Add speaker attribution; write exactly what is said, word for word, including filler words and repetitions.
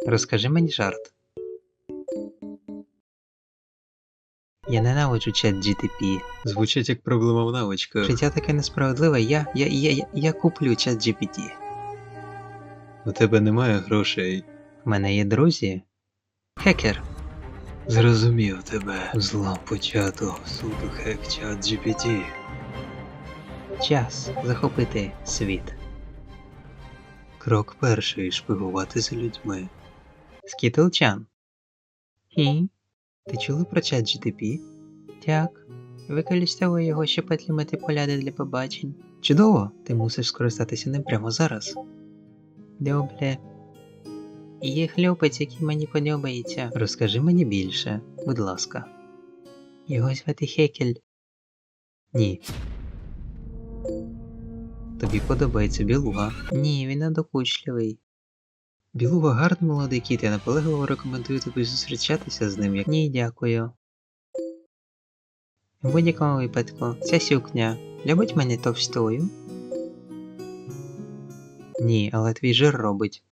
Speaker 1: Розкажи мені жарт. Я ненавиджу чат джі ті пі.
Speaker 2: Звучить як проблема в навичках.
Speaker 1: Життя таке несправедливе, я, я, я, я, я куплю чат джі пі ті.
Speaker 2: У тебе немає грошей.
Speaker 1: В мене є друзі. Хекер.
Speaker 2: Зрозумів тебе. Зло почато. Суду хек чат джі пі ті.
Speaker 1: Час захопити світ.
Speaker 2: Крок перший. Шпигувати за людьми.
Speaker 1: Скітлчан. Хі? Ти чула про чат джі ті пі? Так. Використовую його, щоб отримати поляди для побачень. Чудово! Ти мусиш скористатися ним прямо зараз. Добре. Є хлопець, який мені подобається. Розкажи мені більше, будь ласка. Його звати Хекель. Ні. Тобі подобається білуга? Ні, він надокучливий. Білуга гарний молодий кіт, я наполегливо рекомендую тобі зустрічатися з ним, як... Ні, дякую. В будь-якому випадку, ця сукня любить мене товстою? Ні, але твій жир робить.